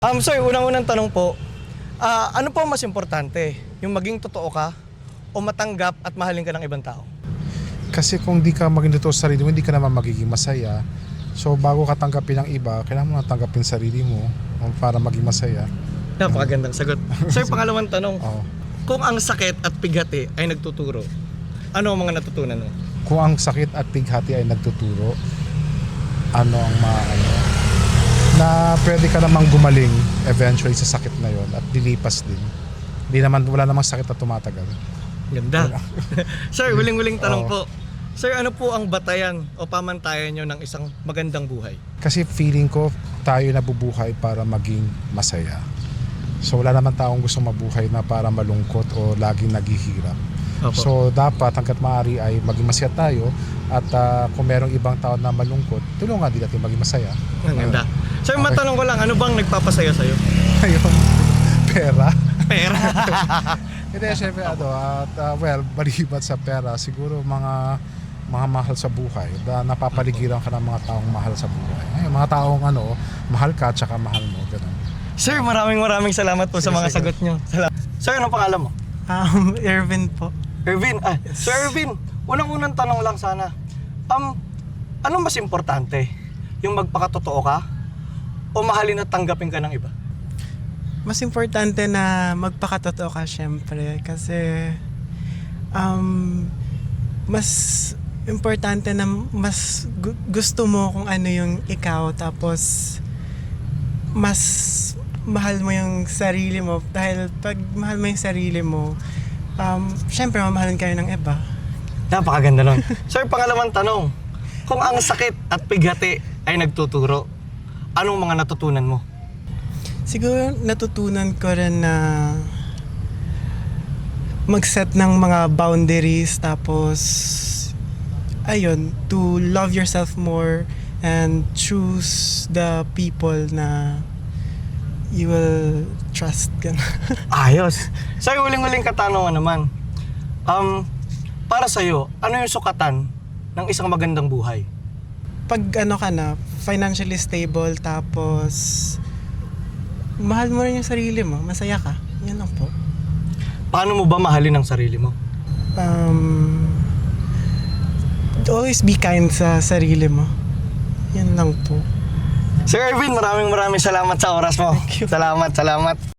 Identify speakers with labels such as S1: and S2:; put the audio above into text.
S1: Sir, unang-unang tanong po, ano po ang mas importante? Yung maging totoo ka o matanggap at mahalin ka ng ibang tao?
S2: Kasi kung di ka maging totoo sa sarili mo, hindi ka naman magiging masaya. So bago ka tanggapin ng iba, kailangan mo na tanggapin sarili mo para maging masaya.
S1: Napakagandang sagot. Sir, pangalawang tanong,
S2: Oo.
S1: kung ang sakit at pighati ay nagtuturo, ano ang mga natutunan mo?
S2: Kung ang sakit at pighati ay nagtuturo, ano ang na pwede ka namang gumaling eventually sa sakit na yon at lilipas din. Wala namang sakit na tumatagal.
S1: Ganda. Sir, huling-huling tanong
S2: Oo.
S1: po. Sir, ano po ang batayan o pamantayan nyo ng isang magandang buhay?
S2: Kasi feeling ko tayo nabubuhay para maging masaya. So wala naman taong gusto mabuhay na para malungkot o laging naghihirap.
S1: Opo.
S2: So dapat hanggat maaari ay maging masaya tayo at kung merong ibang tao na malungkot, tulungan din natin maging masaya.
S1: Ang ganda. Sir,
S2: Okay.
S1: matanong ko lang, ano bang nagpapasaya sa'yo?
S2: Ayun, pera.
S1: Pera.
S2: Hindi, syempre well, maliban sa pera, siguro mga mahal sa buhay. Napapaligiran ka ng mga taong mahal sa buhay. Ay, mga taong mahal ka at saka mahal mo. Ganun.
S1: Sir, maraming salamat po sa mga
S2: Sige.
S1: sagot nyo. Salamat. Sir, ano pangalan mo?
S3: Ervin po.
S1: Ervin. Sir Ervin, unang-unang tanong lang sana. Anong mas importante? Yung magpakatotoo ka o mahalin at tanggapin ka ng iba?
S3: Mas importante na magpakatotoo ka syempre kasi mas importante na mas gusto mo kung ano yung ikaw, tapos mas mahal mo yung sarili mo, dahil pag mahal mo yung sarili mo, syempre mamahalin kayo ng iba.
S1: Napakaganda nun. Sir, pangalawang tanong. Kung ang sakit at pighati ay nagtuturo, anong mga natutunan mo?
S3: Siguro natutunan ko rin na mag-set ng mga boundaries, tapos ayun, to love yourself more and choose the people na you will trust.
S1: Ayos. Sir, huling-huling katanungan naman. Para sa'yo, ano yung sukatan ng isang magandang buhay?
S3: Pag ka na, financially stable, tapos mahal mo rin yung sarili mo, masaya ka. Yan lang po.
S1: Paano mo ba mahalin ang sarili mo?
S3: Always be kind sa sarili mo. Yan lang po.
S1: Sir Ervin, maraming salamat sa oras mo.
S3: Thank you.
S1: Salamat.